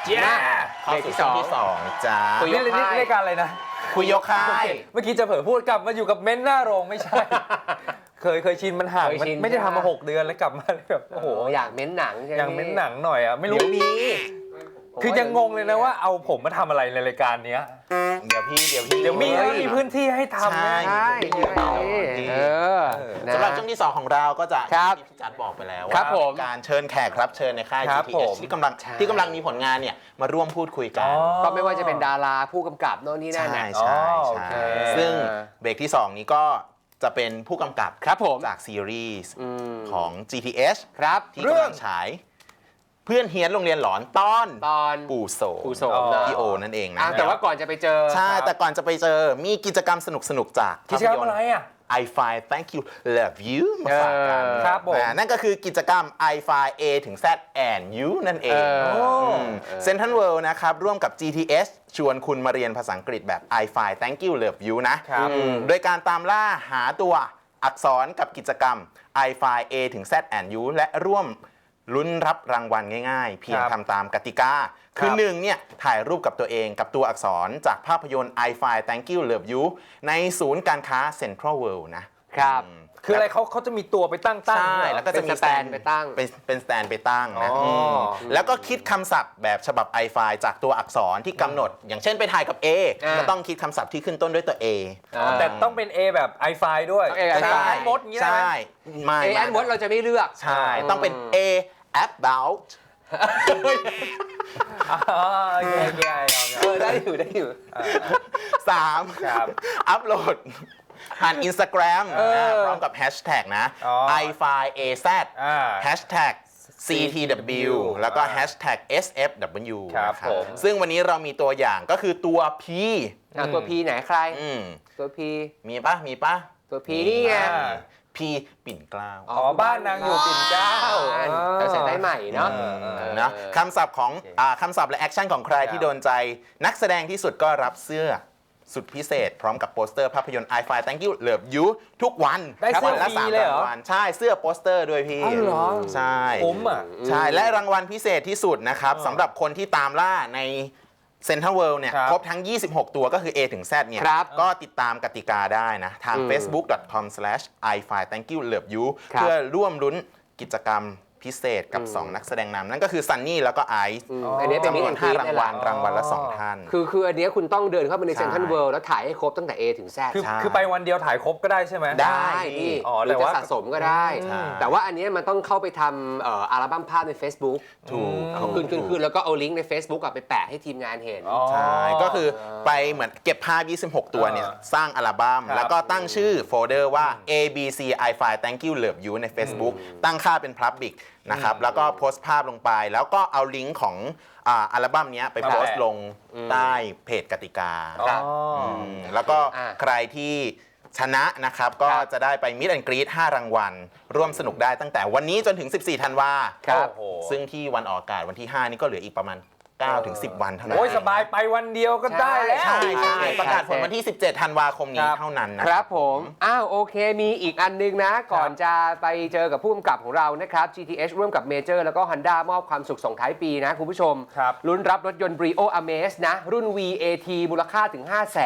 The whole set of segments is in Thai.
เข้าสู่ช่วงที่2จ้าคุยยกค่ายรายการอะไรนะคุยยกค่ายเมื่อกี้จะเผลอพูดกลับมาอยู่กับเม้นหน้าโรงไม่ใช่ เคยชินมันห่างไม่ได้ทำมา6 เดือนแล้วกลับมาแบบโอ้โหอยากเม้นหนังอยากเม้นหนังหน่อยอ่ะไม่รู้นี้คือยังงงเลยนะว่าเอาผมมาทำอะไรในรายการเนี้ยเดี๋ยวมีพื้นที่ให้ทำใช่สำหรับช่วงที่2ของเราก็จะที่พี่จัดบอกไปแล้วว่าการเชิญแขกรับเชิญในค่าย GTH ที่กำลังมีผลงานเนี่ยมาร่วมพูดคุยกันก็ไม่ว่าจะเป็นดาราผู้กำกับโน่นนี่นั่นใช่ซึ่งเบรกที่2นี้ก็จะเป็นผู้กำกับครับผมจากซีรีส์ของ GTH ครับที่กำลังฉายเพื่อนเฮียนโรงเรียนหลอนตอนปู่โสพี่โอนั่นเองนะแต่ว่าก่อนจะไปเจอใช่แต่ก่อนจะไปเจอมีกิจกรรมสนุกๆจากกิจกรรมอะไรอ่ะ i5 Thank You Love You มาฝากกันครับผมนั่นก็คือกิจกรรม i5 A ถึง Z and You นั่นเองเซ็นทรัลเวิลด์นะครับร่วมกับ GTH ชวนคุณมาเรียนภาษาอังกฤษแบบ i5 Thank You Love You นะโดยการตามล่าหาตัวอักษรกับกิจกรรม i5 A ถึง Z and You และร่วมลุ้นรับรางวัลง่ายๆเพียงทำตามกติกาคือ1เนี่ยถ่ายรูปกับตัวเองกับตัวอักษรจากภาพยนตร์ i5 Thank You Love You ในศูนย์การค้า Central World นะครับคืออะไรเขาจะมีตัวไปตั้งใช่แล้วก็จะมีสแตนไปตั้งเป็นสแตนไปตั้งนะแล้วก็คิดคำศัพท์แบบฉบับ i5 จากตัวอักษรที่กำหนดอย่างเช่นไปถ่ายกับ A ก็ต้องคิดคำศัพท์ที่ขึ้นต้นด้วยตัว A แต่ต้องเป็น A แบบ i5 ด้วยใช่มดอย่างนี้ได้ไหม A and มดเราจะไม่เลือกใช่ต้องเป็น A about ได้อยู่ 3อัพโหลดผ่าน Instagram พร้อมกับแฮชแท็กนะ i5az hashtag CTW แล้วก็ hashtag SFW ครับผมซึ่งวันนี้เรามีตัวอย่างก็คือตัว P ตัว P ไหนใครตัว P มีปะตัว P นี่ไงพี่ปิ่นเกล้าบ้านนางอยู่ปิ่นเกล้าเราใส่ได้ใหม่เนาะคำศัพท์ของคำศัพท์และแอคชั่นของใครที่โดนใจนักแสดงที่สุดก็รับเสื้อสุดพิเศษพร้อมกับโปสเตอร์ภาพยนตร์ i5 Thank You Love You ทุกวันได้เสื้อละ 3 รางวัลใช่เสื้อโปสเตอร์ด้วยพี่ใช่ใช่และรางวัลพิเศษที่สุดนะครับสำหรับคนที่ตามล่าในเซ็นทรัลเวิลด์เนี่ยครบทั้ง26ตัวก็คือ A ถึง Z เนี่ยก็ติดตามกติกาได้นะทาง facebook.com/i5thankyouloveyou เพื่อร่วมลุ้นกิจกรรมพิเศษกับ2นักแสดงนำนั่นก็คือซันนี่แล้วก็ไอซ์อันนี้เป็นจำนวน5 รางวัลละ2 ท่านคืออันนี้คุณต้องเดินเข้าไปในเซ็นทรัลเวิลด์แล้วถ่ายให้ครบตั้งแต่ A ถึง Z คือไปวันเดียวถ่ายครบก็ได้ใช่ไหมได้นี่หรือจะสะสมก็ได้แต่ว่าอันนี้มันต้องเข้าไปทำอัลบั้มภาพใน Facebook ถูกขึ้นแล้วก็เอาลิงก์ใน Facebook ไปแปะให้ทีมงานเห็นใช่ก็คือไปเหมือนเก็บภาพ26 ตัวเนี่ยสร้างอัลบั้มแล้วก็ตั้งชื่อโฟลเดอร์ว่า ABC i5 Thank You Love You ใน Facebook ตั้งค่าเป็น Public นะครับแล้วก็โพสต์ภาพลงไปแล้วก็เอาลิงก์ของอัลบั้มนี้ไปโพสต์ลงใต้เพจกติกาแล้วก็ใครที่ชนะนะครับก็จะได้ไปมิดแอนด์กรีด5 รางวัลร่วมสนุกได้ตั้งแต่วันนี้จนถึง14 ธันวาคมซึ่งที่วันออกอากาศวันที่5นี่ก็เหลืออีกประมาณ9 ถึง 10 วันเท่านั้นโอ้ยสบายไปวันเดียวก็ได้แล้วใช่ประกาศผลวันที่17 ธันวาคมนี้เท่านั้นนะครับผมโอเคมีอีกอันนึงนะก่อนจะไปเจอกับผู้กำกับของเรานะครับ GTH ร่วมกับ Major แล้วก็ Honda มอบความสุขส่งท้ายปีนะคุณผู้ชมลุ้นรับรถยนต์ Brio Amaze นะรุ่น VAT มูลค่าถึง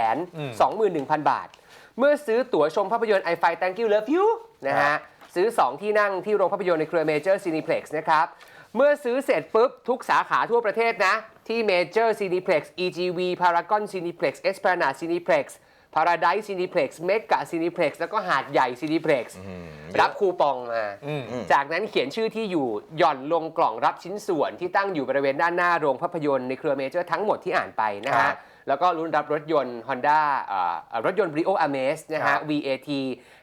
521,000 บาทเมื่อซื้อตั๋วชมภาพยนตร์ i5 Thank You Love You นะฮะซื้อ2ที่นั่งที่โรงภาพยนตร์ในเครือ Major Cineplex นะครับเมื่อซื้อเสร็จปุ๊บทุกสาขาทั่วประเทศนะที่ Major Cineplex EGV Paragon Cineplex Esplanade Cineplex Paradise Cineplex Mega Cineplex แล้วก็หาดใหญ่ Cineplex รับคูปองมาจากนั้นเขียนชื่อที่อยู่หย่อนลงกล่องรับชิ้นส่วนที่ตั้งอยู่บริเวณด้านหน้าโรงภาพยนตร์ในเครือ Major ทั้งหมดที่อ่านไปนะฮะแล้วก็ลุ้นรับรถยนต์ Honda รถยนต์ Brio Amaze นะฮะ VAT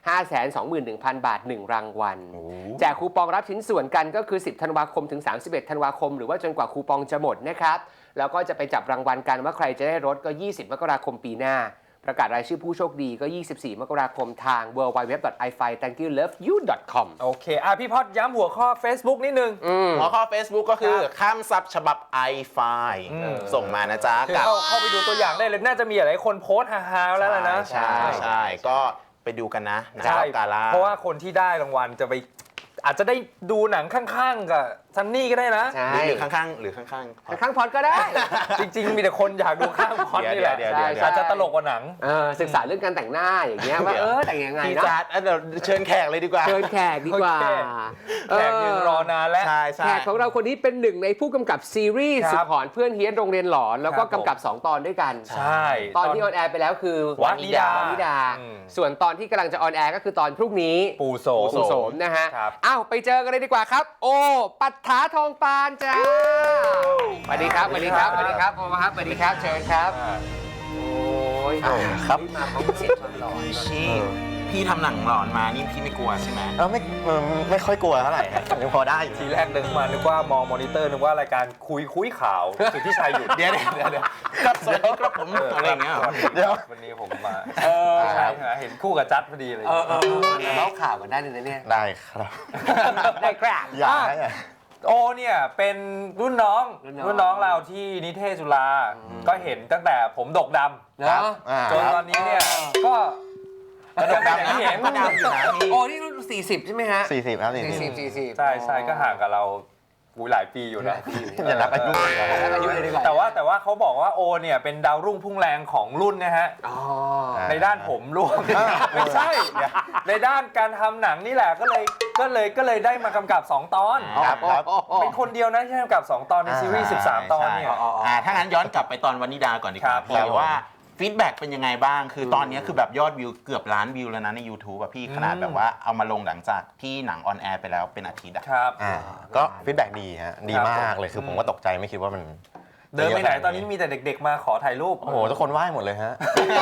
521,000 บาท1 รางวัลแจกคูปองรับชิ้นส่วนกันก็คือ10 ธันวาคมถึง31 ธันวาคมหรือว่าจนกว่าคูปองจะหมดนะครับแล้วก็จะไปจับรางวัลกันว่าใครจะได้รถก็20 มกราคมปีหน้าประกาศรายชื่อผู้โชคดีก็24 มกราคมทาง www.i5thankyouloveyou.com โอเคพี่พอดย้ำหัวข้อ Facebook นิดนึงหัวข้อ Facebook ก็คือคำศัพท์ฉบับ i5 ส่งมานะจ๊ะเข้าไปดูตัวอย่างได้เลยน่าจะมีหลายคนโพสต์ฮาๆแล้วนะใช่ก็ไปดูกันนะกาล่าเพราะว่าคนที่ได้รางวัลจะไปอาจจะได้ดูหนังข้างๆกับซันนี่ก็ได้นะใช่หรือข้างๆหรือข้างข้างพอดก็ได้จริงๆมีแต่คนอยากดูข้างพอดนี่แหละเดี๋ยวอาจจะตลกกว่าหนังศึกษาเรื่องการแต่งหน้าอย่างเงี้ยว่าแต่งยังไงพี่นะจัดเดี๋ยวเชิญแขกเลยดีกว่าเชิญแขกดีกว่าโอเค แขกยืนรอนานแล้วใช่ใช่แขกของเราคนนี้เป็นหนึ่งในผู้กำกับซีรีส์ครับสุดหอนเพื่อนเฮี้ยนโรงเรียนหลอน แล้วก็ครับผมกำกับ 2 ตอนด้วยกันใช่ตอนที่ออนแอร์ไปแล้วคือวานิดา อืมส่วนตอนที่กำลังจะออนแอร์ก็คือตอนพรุ่งนี้ปูโสปู่โสมนะฮะครับอ้าวไปเจอกันเลยดีกว่าครับ โอปัฏฐาทองปานจ้าสวัสดีครับสวัสดีครับสวัสดีครับโอครับสวัสดีครับเชิญครับ โอ้ยครับมาพร้อมเสียงความหลอนพี่ทำหนังหลอนมานี่พี่ไม่กลัวใช่ไหมไม่ค่อยกลัวเท่าไหร่ครับยังพอได้อยู่ทีแรกนึกมานึกว่ามองมอนิเตอร์นึกว่ารายการคุยข่าวสุดที่ชายหยุดเดี๋ยวครับสวัสดีครับผมอะไรอย่างเงี้ยเหรอเดี๋ยววันนี้ผมมาใช่ฮะเห็นคู่กับจัดพอดีเลยเล่าข่าวกันได้เลยนะเนี่ยได้ครับได้ครับอยากให้อะโอเนี่ยเป็นรุ่นน้องเราที่นิเทศจุฬาก็เห็นตั้งแต่ผมดกดเนาะำจนตอนนี้เนี่ยก็กระดกดำนะเห็นก็ดำอยู่นะพี่โอ้นี่รุ่น40 ใช่ไหมฮะ 40ครับ40 40 ใช่ก็ห่างกับเราหลายปีอยู่นะอย่านับอายุเลยแล้วอายุเลยดีกว่าแต่ว่าเขาบอกว่าโอเนี่ยเป็นดาวรุ่งพุ่งแรงของรุ่นนะฮะอ๋อในด้านผมร่วงไม่ใช่ในด้านการทำหนังนี่แหละก็เลยได้มากำกับ 2 ตอนครับครับเป็นคนเดียวนะที่ได้กำกับ 2 ตอนในซีรีส์ 13 ตอนเนี่ยถ้างั้นย้อนกลับไปตอนวานิดาก่อนดีกครัว่าบพี่ว่าฟีดแบ็กเป็นยังไงบ้าง คือตอนนี้คือแบบยอดวิวเกือบล้านวิวแล้วนะใน YouTube อะพี่ขนาดแบบว่าเอามาลงหลังจากที่หนังออนแอร์ไปแล้วเป็นอาทิตย์อะครับก็ฟีดแบ็กดีฮะดีครับมากเลยคือผมก็ตกใจไม่คิดว่ามันเดินไปไหนตอนนี้มีแต่เด็กๆมาขอถ่ายรูปโอ้โหทุกคนไหว้หมดเลยฮะ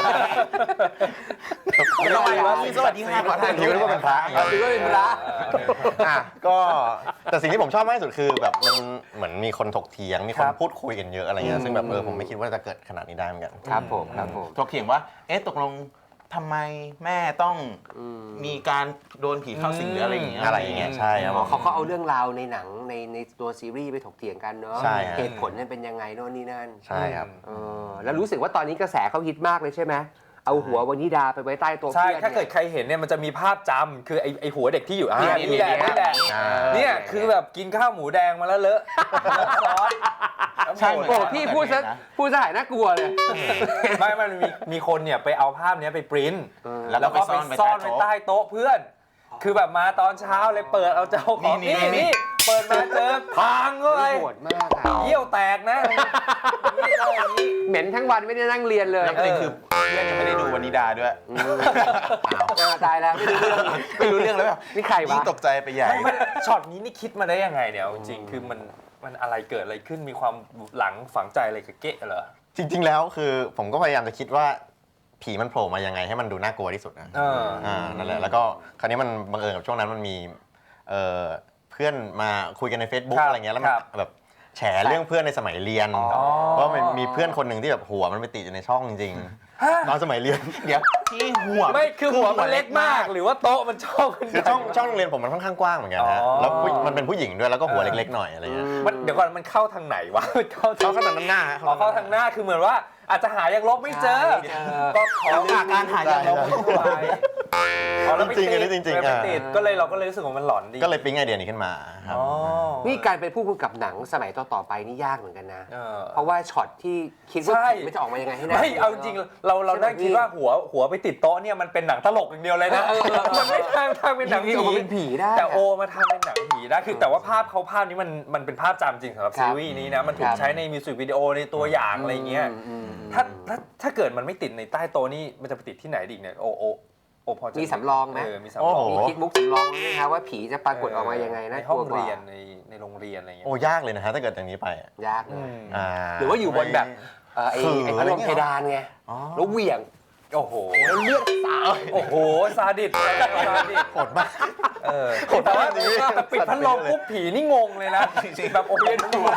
ทำไมวะพี่สวัสดีค่ะขอถ่ายรูคิดปว่าเป็นพระอย่างเงี้ยถือว่าเป็นพระก็แต่สิ่งที่ผมชอบมากที่สุดคือแบบมันเหมือนมีคนถกเถียงมีคนพูดคุยกันเยอะอะไรเงี้ยซึ่งแบบผมไม่คิดว่าจะเกิดขนาดนี้ได้เหมือนกันครับผมครับผมถกเถียงว่าตกลงทำไมแม่ต้องมีการโดนผีเข้าสิงหรืออะไรอย่างเงี้ยอะไรอย่างเงี้ยใช่ครับเขาเอาเรื่องราวในหนังในตัวซีรีส์ไปถกเถียงกันเนาะใช่ฮะเหตุผลเนี่ยเป็นยังไงโน่นนี่นั่นใช่ครับแล้วรู้สึกว่าตอนนี้กระแสเขาฮิตมากเลยใช่ไหมเอาหัววานิดาไปไว้ใต้ตัวใช่เพื่อนถ้าเกิดนี่ยใครเห็นเนี่ยมันจะมีภาพจำคือไอหัวเด็กที่อยู่เนี่ยนี่แหละเนี่ยนี่แหละ เนี่ยคือแบบกินข้าวหมูแดงมาแล้วเลอะซอสใช่เหมือนโอ้พี่พูดซะหายน่ากลัวเลยไม่มันมีคนเนี่ยไปเอาภาพเนี้ยไปปริ้นแล้วแล้วก็ก็ไปไปซ่ซ่ออน นไว้ไว้ใต้ใต้โต๊ะเพื่อน คือแบบมาตอนเช้าเลยเปิดเอาเจ้าของนี่นี่เปิดมาเจอพังเข้าไปโหดมากอะเยี่ยวแตกนะนี่เอาอย่างนี้เหม็นทั้งวันไม่ได้นั่งเรียนเลยแล้วประเด็นคือเพื่อนยังไม่ได้ดูวานิดาด้วยตายแล้วไม่รู้เรื่องไม่รู้เรื่องแล้วแบบนี่ใครวะยิ่งตกใจไปใหญ่ไม่ช็อตนี้นี่คิดมาได้ยังไงเนี่ยเอาจริงๆคือมันอะไรเกิดอะไรขึ้นมีความหลังฝังใจอะไรกับเก๊ะเหรอจริง ๆ แล้วคือผมก็พยายามจะคิดว่าผีมันโผล่มายังไงให้มันดูน่ากลัวที่สุดนะนั่นแหละแล้วก็คราวนี้มันบังเอิญกับช่วงนั้นมันมีเพื่อนมาคุยกันใน Facebook อะไรเงี้ยแล้วมันแบบแฉเรื่องเพื่อนในสมัยเรียนว่ามันมีเพื่อนคนหนึ่งที่แบบหัวมันไปติดอยู่ในช่องจริงๆตอนสมัยเรียนเดี๋ยวที่หัวไม่คือหัวมันเล็กมากหรือว่าโต๊ะมันช่องคือช่องโรงเรียนผมมันค่อนข้างกว้างเหมือนกันนะแล้วมันเป็นผู้หญิงด้วยแล้วก็หัวเล็กๆหน่อยอะไรเงี้ยเดี๋ยวก่อนมันเข้าทางไหนวะมันเข้าเขาขนาดนั้นหน้าเข้าทางหน้าคือเหมือนว่าอาจจะหายังลบไม่เจอ ก็ขอการหายาลบแล้วไม่ติดจริงๆไม่ติดก็เลยเราก็เลยรู้สึกว่ามันหลอนดีก็เลยปิ๊งไอเดียนี้ขึ้นมาครับนี่การเป็นผู้กำกับหนังสมัยต่อๆไปนี่ยากเหมือนกันนะเออเพราะว่าช็อตที่คิดว่าใช่ผีมันจะออกมายังไงให้น่าไม่เอาจริงเรานั่งคิดว่าหัวไปติดโต๊ะเนี่ยมันเป็นหนังตลกอย่างเดียวเลยนะมันไม่ทำเป็นหนังผีออกมาเป็นผีได้แต่โอมาทำเป็นหนังผีได้คือแต่ว่าภาพนี้มันเป็นภาพจำจริงสำหรับซีรีส์นี้นะมันถูกใช้ในมิวสิกวิดีโอในตัวอย่างอะไรเงี้ยถ้าเกิดมันไม่ติดในใต้โต๊ะนี่มันจะไปติดที่ไหนอีกเนี่ยโอพอจะมีสำรองไหมมีสำรองมีคิดมุกสำรองไหมครับว่าผีจะปรากฏออกมายังไงนะในห้องเรียนในโรงเรียนอะไรเงี้ยโอ้ยากเลยนะฮะถ้าเกิดอย่างนี้ไปยากเลยหหรือว่าอยู่บนแบบไอ้พัดลมเพดานไงแล้วเหวี่ยงโอ้โหแล้วเลือดสาดโอ้โหซาดิสซาดิสโหดมากแต่ว่าปิดพัดลมปุ๊บผีนี่งงเลยนะแบบโอ้ยดู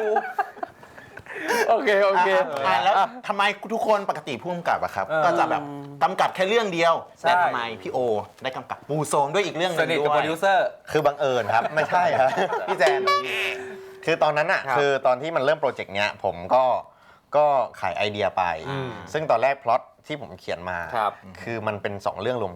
โอเคแล้วทำไมทุกคนปกติผู้กำกับอะครับ ก็จะแบบกำกับแค่เรื่องเดียว แต่ทำไมพี่โอได้กำกับปูโซมด้วยอีกเรื่องหนึสงนิทด้กับวโปรยดิวเซอร์คือบังเอิญครับ ไม่ใช่ครับพี่แจนคือตอนนั้นอ่ะคือตอนที่มันเริ่มโปรเจกต์เนี้ยผมก็ขายไอเดียไป ซึ่งตอนแรกพล็อตที่ผมเขียนมาครับคือมันเป็น2เรื่องรวมกัน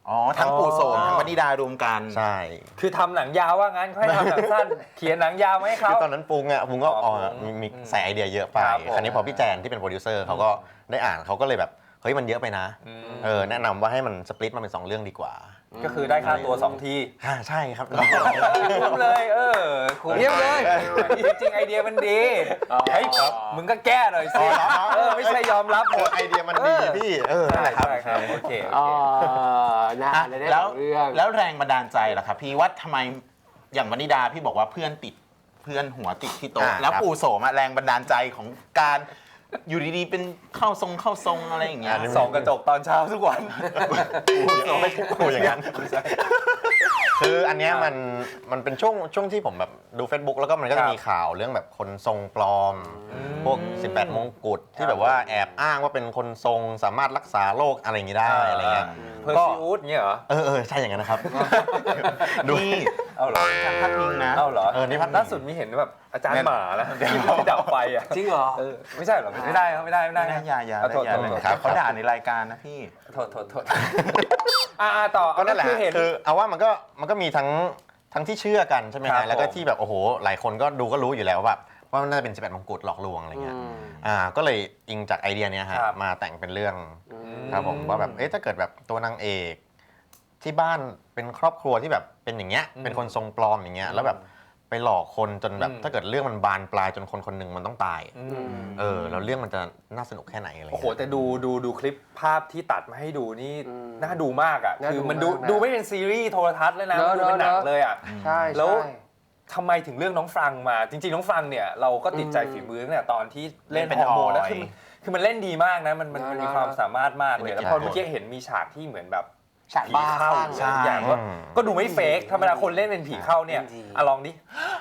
อ๋อทั้งปู่โสมทั้งวนิดารวมกันใช่คือทำหนังยาวว่างั้นเขาให้ทำหนังสั้น เขียนหนังยาวมาให้เขาคือตอนนั้นปรุงก็มีใส่ไอเดียเยอะไปครับผมคราวนี้พอพี่แจนที่เป็นโปรดิวเซอร์เขาก็ได้อ่านเขาก็เลยแบบเฮ้ยมันเยอะไปนะแนะนำว่าให้มันสปลิตมาเป็น2เรื่องดีกว่าก็คือได้ค่าตัว2 ทีใช่ครับคุ้มเลยคุ้มเยี่ยมเลยจริงๆไอเดียมันดีเฮ้ยมึงก็แก้หน่อยสิไม่ใช่ยอมรับหมดไอเดียมันดีพี่นั่นแหละครับใช่ครับโอเคอ๋อน่าอ่ะจะได้แล้วสองเรื่องแล้วแรงบันดาลใจล่ะครับพี่ว่าทำไมอย่างวนิดาพี่บอกว่าเพื่อนติดเพื่อนหัวติดที่โต๊ะแล้วปู่โสมแรงบันดาลใจของการอยู่ดีๆเป็นเข้าทรงอะไรอย่างเงี้ยส่องกระจกตอนเช้าทุกวันไม่พูดอย่างนั้นคืออันเนี้ยมันเป็นช่วงที่ผมแบบดู Facebook แล้วก็มันก็จะมีข่าวเรื่องแบบคนทรงปลอม พวก 18 มงกุฎที่แบบว่าแอบอ้างว่าเป็นคนทรงสามารถรักษาโรคอะไรอย่างงี้ได้อะไรเงี้ยเพอร์ซิวูดเนี่ยเหรอใช่อย่างนั้นนะครับนี่เอาเหรอทางพักพิงนะเอาเหรอนี่พัดล่าสุดมีเห็นแบบอาจารย์หมาแล้วที่ดับไฟอ่ะจริงเหรอไม่ใช่เหรอไม่ได้ครับไม่ได้ไม่ได้อย่าโทษครับเขาด่าในรายการนะพี่โทษต่อก็นั่นแหละคือเห็นคือเอาว่ามันก็มีทั้งที่เชื่อกันใช่ไหมครัฮะบแล้วก็ผมที่แบบโอ้โหหลายคนก็ดูก็รู้อยู่แล้วแบบว่ามันน่าจะเป็น18 มงกุฎหลอกลวงอะไรเงี้ยก็เลยอิงจากไอเดียเนี้ยฮะครับมาแต่งเป็นเรื่องครับผมว่าแบบถ้าเกิดแบบตัวนางเอกที่บ้านเป็นครอบครัวที่แบบเป็นอย่างเงี้ยเป็นคนทรงปลอมอย่างเงี้ยแล้วแบบไปหลอกคนจนแบบถ้าเกิดเรื่องมันบานปลายจนคนคนหนึ่งมันต้องตายแล้วเรื่องมันจะน่าสนุกแค่ไหนอะไรโอ้โหเงี้ยแต่ดูคลิปภาพที่ตัดมาให้ดูนี่น่าดูมากอ่ะน่าดูคือมันมากนะดูไม่เป็นซีรีส์โทรทัศน์เลยนะเนอะดูเป็นหนังเนอะเลยอ่ะใช่แล้วใช่ทำไมถึงเรื่องน้องฟรังมา จริงๆน้องฟรังเนี่ยเราก็ติดใจฝีมือตั้งแต่ตอนที่เล่นเป็นฮอร์โมนแล้วออยคือมันเล่นดีมากนะมันมีความสามารถมากเลย แล้วพอใช่เมื่อกี้เห็นมีฉากที่เหมือนแบบฉากบ้าเข้าข้างทุกอย่างก็ดูไม่เฟกธรรมดาคนเล่นเป็นผีเข้าเนี่ยจริงลองดิ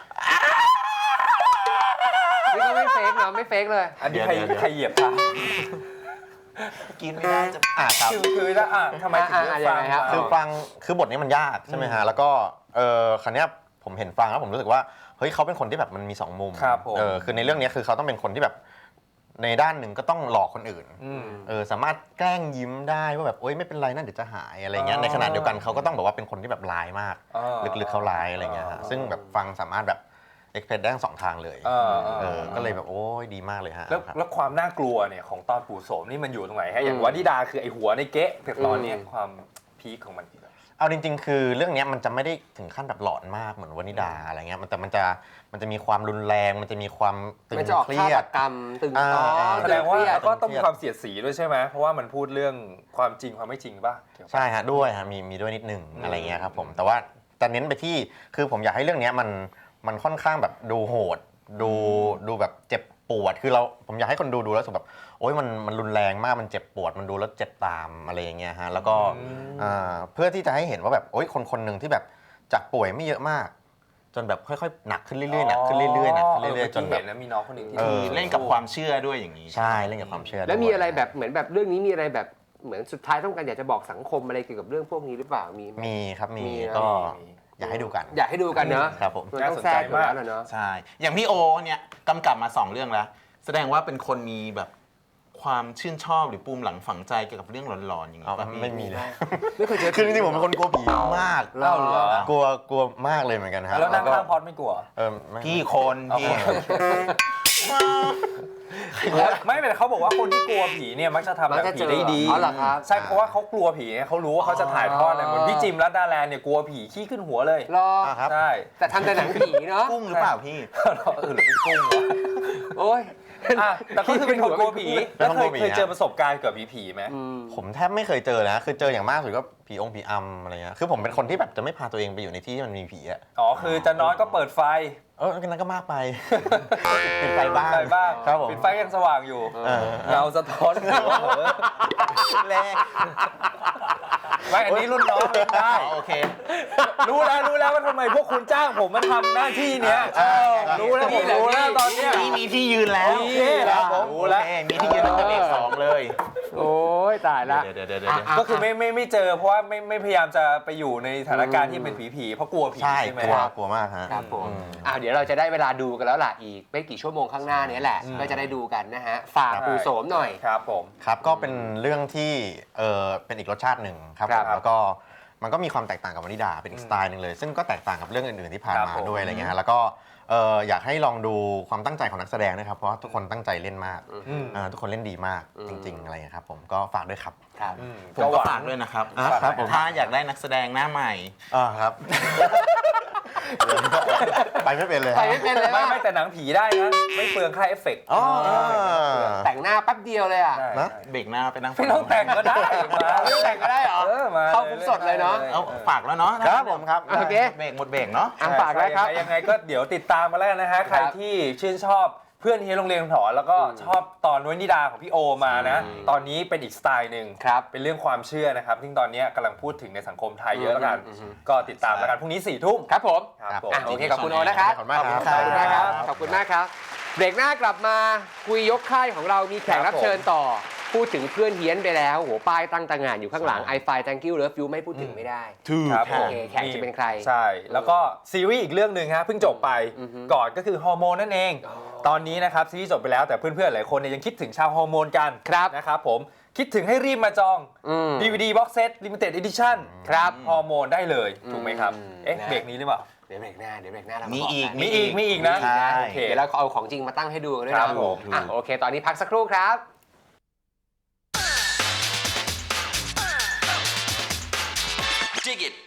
นี่ก็ไม่เฟกเนาะไม่เฟกเลยอันนี้ใครเหยียบเท้ากินไม่ได้จะครับคือแล้วทำไมถึงเลือกฟรังยังไงครับคือบทนี้มันยากใช่ไหมฮะแล้วก็ครั้งนี้ยผมเห็นฟังแล้วผมรู้สึกว่าเฮ้ยเขาเป็นคนที่แบบมันมี2มุมครับผมคือในเรื่องนี้คือเขาต้องเป็นคนที่แบบในด้านหนึ่งก็ต้องหลอกคนอื่นสามารถแกล้งยิ้มได้ว่าแบบโอ๊ยไม่เป็นไรนะเดี๋ยวจะหายอะไรเงี้ยในขณะเดียวกันเขาก็ต้องแบบว่าเป็นคนที่แบบร้ายมากลึกๆเขาร้ายอะไรเงี้ยฮะซึ่งแบบฟังสามารถแบบเอ็กเพรสได้ทั้ง2 ทางเลยก็เลยแบบโอ้ยดีมากเลยฮะแล้วความน่ากลัวเนี่ยของตอนปู่โสมนี่มันอยู่ตรงไหนฮะอย่างวนิดาคือไอหัวในเก๊ะแต่ตอนเนี้ยความพีคของมันเอาจริงๆ คือเรื่องนี้มันจะไม่ได้ถึงขั้นแบบหลอนมากเหมือนวนิดาอะไรเงี้ยแต่มันจะมีความรุนแรงมันจะมีความตึงมันจะออกเครีฆาย ตดกรรมตึงต่อแสดงว่าเครียดก็ต้องมีความเสียดสีด้วยใช่ไหมเพราะว่ามันพูดเรื่องความจริงความไม่จริงป่ะใช่ฮะด้วยฮะมีด้วยนิดหนึ่งอะไรเงี้ยครับผมแต่ว่าจะเน้นไปที่คือผมอยากให้เรื่องนี้มันค่อนข้างแบบดูโหดดูแบบเจ็บปวดคือผมอยากให้คนดูแล้วรู้สึกแบบโอ๊ยมันรุนแรงมากมันเจ็บปวดมันดูแล้วเจ็บตามอะไรอย่างเงี้ยฮะแล้วก็เพื่อที่จะให้เห็นว่าแบบโอ๊ยคนหนึ่งที่แบบจากป่วยไม่เยอะมาก จนแบบค่อยๆหนักขึ้นเรื่อยๆหนักขึ้นเรื่อยๆหนักขึ้นเรื่อยๆจนแบบเห็นนะมีน้องคนหนึ่งที่เล่นกับความเชื่อด้วยอย่างนี้ใช่เล่นกับความเชื่อแล้วมีด้วยอะไรแบบเหมือนแบบเรื่องนี้มีอะไรแบบเหมือนสุดท้ายต้องการอยากจะบอกสังคมอะไรเกี่ยวกับเรื่องพวกนี้หรือเปล่ามีไหมมีครับมีมีนะก็อยากให้ดูกันอยากให้ดูกันเนอะครับผมมันต้องแทรกอยู่แล้วนะเนอะใช่ อย่างพี่โอเนี่ยกำกับมา2 เรื่องแล้ว แสดงว่าเป็นคนมีแบบความชื่นชอบหรือปูมหลังฝังใจเกี่ยวกับเรื่องหลอนๆอย่างนี้ป่ะพี่ไม่มีเลยไม่เคยเจอคือจริงๆผมเป็นคนกลัวผีมากเล่าเหรอกลัวมากเลยเหมือนกันครับแล้วนั่งก็ข้างพอดไม่กลัวไม่พี่คนพี่ไม่เป็นเขาบอกว่าคนที่กลัวผีเนี่ยมักจะทำแบบผีได้ดีอ๋อเหรอครับใช่เพราะว่าเขากลัวผีไงเขารู้ว่าเขาจะถ่ายทอดอะไรเหมือนพี่จิมรัตดาแลนด์เนี่ยกลัวผีขี้ขึ้นหัวเลยรอครับใช่แต่ทำแต่หนังผีเนาะกุ้งหรือเปล่าพี่หรือเป็นกุ้งวะโอ้ยแต่ก็คือเป็นคนกลัวผีเป็แล้วนคนกลัวผีเคยเจอประสบการณ์เกี่ยวกับผีไหมผมแทบไม่เคยเจอนะคือเจออย่างมากสุดก็ผีอำอะไรเงี้ยคือผมเป็นคนที่แบบจะไม่พาตัวเองไปอยู่ในที่ที่มันมีผีอะอ๋อคือจะนอนก็เปิดไฟนั่นก็มากไปปิดไฟบ้างไฟบ้างครับผมปิดไฟยังสว่างอยู่เออเงาสะท้อนหัวเหอะแรงไม่อันนี้รุ่นน้องเล่นได้โอเครู้แล้วว่าทำไมพวกคุณจ้างผมมาทำหน้าที่เนี้ยรู้แล้วผมรู้แล้วตอนเนี้ยนี่มีที่ยืนแล้วโอเคครับผมรู้แล้วมีที่ยืนตั้งแต่เบรก2เลยโอ้ยตายละเดี๋ยวก็คือไม่เจอเพราะว่าไม่พยายามจะไปอยู่ในสถานการณ์ที่เป็นผีเพราะกลัวผีใช่ใช่ไหมกลัวมากฮะครับผมเดี๋ยวเราจะได้เวลาดูกันแล้วล่ะอีกไม่กี่ชั่วโมงข้างหน้านี้แหละก็จะได้ดูกันนะฮะฝากปู่โสมหน่อยครับผมครับก็เป็นเรื่องที่เป็นอีกรสชาติหนึ่งครับครับแล้วก็มันก็มีความแตกต่างกับวานิดาเป็นอีกสไตล์หนึ่งเลย ซึ่งก็แตกต่างกับเรื่องอื่นๆที่ผ่านครับมาผมด้วยอะไรเงี้ยฮะแล้วก็อยากให้ลองดูความตั้งใจของนักแสดงนะครับเพราะว่าทุกคนตั้งใจเล่นมากทุกคนเล่นดีมากจริงๆอะไรเงี้ยครับผมก็ฝากด้วยครับครับผมก็ฝากด้วยนะครับครับผมถ้าอยากได้นักแสดงหน้าใหม่ครับ ไปไม่เป็นเลยไปไม่เป็นเลยไม่ว่าไม่แต่หนังผีได้นะ ไม่เปลืองค่าเอฟเฟกต์อ๋อแต่งหน้าแป๊บเดียวเลยอ่ะได้นะเบรกหน้าไปนั่งไม่ต้องแต่งก็ได้มาไม่ต้องแต่งก็ได้เหรอมาเข้าปุ๊บสดเลยเนอะเอาฝากแล้วเนาะครับผมครับโอเคเบรกหมดเบรกเนาะอ่ะฝากแล้วครับยังไงก็เดี๋ยวติดตามมาแล้วกันนะฮะ ใครที่ชื่นชอบเพื่อนเฮียโรงเรียนถอนแล้วก็ชอบตอนวนิดาของพี่โอมานะ ตอนนี้เป็นอีกสไตล์หนึ่งครับเป็นเรื่องความเชื่อนะครับซึ่งตอนนี้กำลังพูดถึงในสังคมไทยเยอะแล้วกัน ก็ติดตามแล้วกันพรุ่งนี้4 ทุ่มครับผมครับผมอ่ะโอเคขอบคุณโอนะครับขอบคุณมากครับขอบคุณมากครับ ขอบคุณมากครับ เบรกหน้ากลับมาคุยยกค่ายของเรามีแขกรับเชิญต่อ พูดถึงเพื่อนเฮี้ยนไปแล้วโหป้ายตั้งตางานอยู่ข้างหลัง i f i Thank you Love you ไม่พูดถึงไม่ได้ครับโอเคแขกจะเป็นใครใช่ แล้วก็ซีรีส์อีกเรื่องหนึ่งฮะเพิ่งจบไปก่อนก็คือฮอร์โมนนั่นเอง ตอนนี้นะครับซีรีส์จบไปแล้วแต่เพื่อนๆหลายคนเนี่ยยังคิดถึงชาวฮอร์โมนกันครับนะครับผมคิดถึงให้รีบมาจอง DVD Box Set Limited Edition ครับฮอร์โมนได้เลยถูกไหมครับ เอ๊ะนะเบรกนี้หรือเปล่าเดี๋ยวเบรกหน้าเรามีมีอีกมีอีกนะใช่โอเคเดี๋ยวเราเอาของจริงมาตั้งให้ดูกันด้วยครันะบผมอ่ะโอเค ตอนนี้พักสักครู่ครับ Dig it.